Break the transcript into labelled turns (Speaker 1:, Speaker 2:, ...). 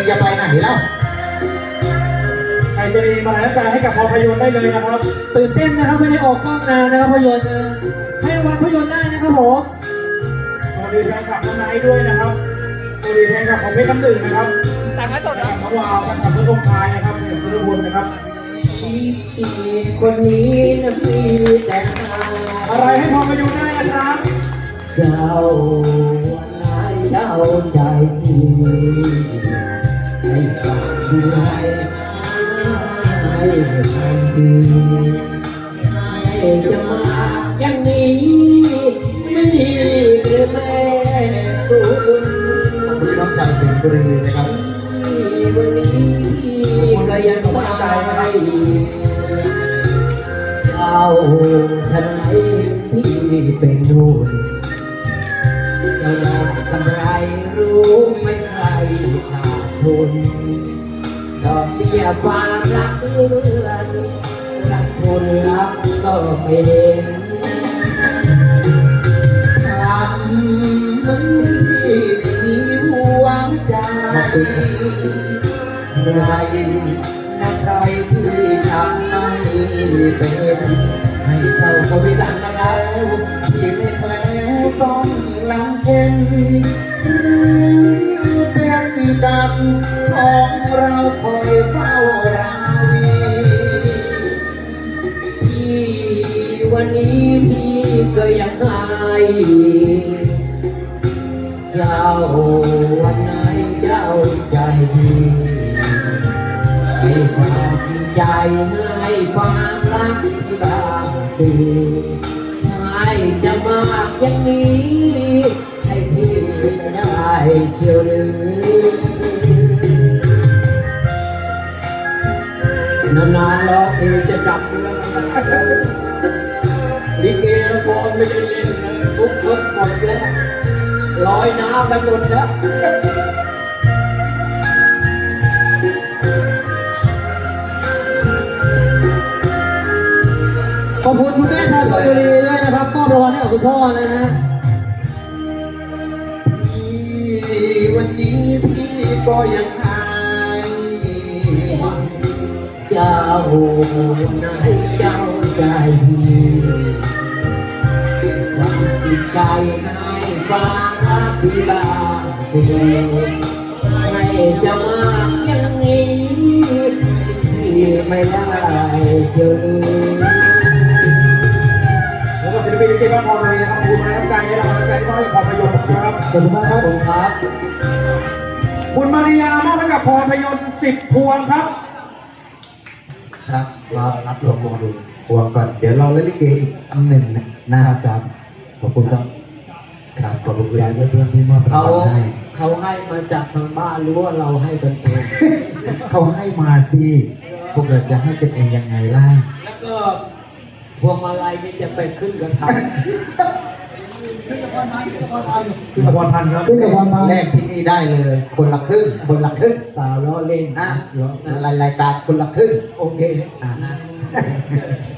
Speaker 1: จะไปไหนเล่า
Speaker 2: ใครจะมีมาแล้วการให้กับภาพยนตร์ได้เลยนะครับ
Speaker 3: ตื่นเต้นนะครับไม่ได้ออกกล้องนานนะครับภาพยนตร์ให้รางวัลภาพยนตร์ได้นะครับผม
Speaker 2: สวัสดีแฟนคลับน้องไนท์ด้วยนะครับสวัสดีแฟนคลับของเพชรน้ำหนึ่งนะครับ
Speaker 4: แต่งไม่สดนะ
Speaker 2: น้องวาวแฟนคลับเพื่อนองค์ชายนะครับเพื่อนบุญนะครับ
Speaker 1: คนนี้นะพี่แต่
Speaker 2: อะไรให้ภาพยนตร์ได้นะครับ
Speaker 1: เจ้านายเจ้าใจที่ให้ความดูแลให้ความดีให้จะมาอย่างนี้ไม่ดีหรือแม่คุณขอบคุณน้องชายเสียงกรีนะครับวันนี้ก็ยังตั้งใจให้เจ้าทนายที่เป็นนู่นจะยอมกำไรรู้ไม่ใครขาดทุนดอกเบี้ยความรักเอื้อนรักคนรักก็ไม่เห็นทำมันที่ไม่มีหัวใจใครนะใครที่ทำไม่เป็นให้เจ้าคนที่ตั้งแล้วที่ไม่แคล้วต้องลำเค็นหรือเป็นกรรมของเราคอยเฝ้าราวีที่วันนี้พี่ก็ยังหายเจ้าวันไหนเจ้าใจดีให้ความจริงใจให้ความรักที่บางทีให้จะมากอย่างนี้ให้พี่ได้เชียวหรือนานๆร้องเพลงจะจับเรื่องลิเกละครไม่ได้เล่นนะทุกคนหมดแล้วลอยน้ำกันหมดแล้ว
Speaker 3: ขอบคุณคุณแม่ชาวชลบุรีด้วยนะครับมอบรางวัลให้กับคุณพ่อนะฮะ
Speaker 1: วันนี้พี่ก็ยังหายเจ้านายเจ้าใจดีความจิตใจให้ความรักที่บางทีให้จะมากอย่างนี้ที่ไม่ได้เจอ
Speaker 2: แล้วก็ศิลปินที่บ้านพรเลยนะครับขอบคุณน้ำใจและกำลังใจที่มอบให้ภาพยนตร์นะครับ
Speaker 1: ขอบคุณมากครับผมครับ
Speaker 2: คุณมาริยามอบให้กับภาพยนตร์10 พวงครับ
Speaker 1: ครับรับรวมวงดูพวงก่อนเดี๋ยวเราเล่นลิเกอีกอันหนึ่งนะครับขอบคุณครับครับขอบคุณเพื่อนที่มอบรางวัลให้
Speaker 3: เขาให้มาจากทางบ้านหรือว่าเราให้กันเอง
Speaker 1: เขาให้มาสิพวกเราจะให้กันเองยังไงล่ะ
Speaker 3: แล้วก็พวงมาลัยนี่จะไปขึ้นกับทาง
Speaker 2: ขึ้นกับวันพันครับ
Speaker 1: ขึ้นกับวันพันแรกที่นี่ได้เลยคนละครึ่งเปล่าล้อเล่น
Speaker 3: นะ
Speaker 1: รายการคนละครึ่ง
Speaker 3: โอเค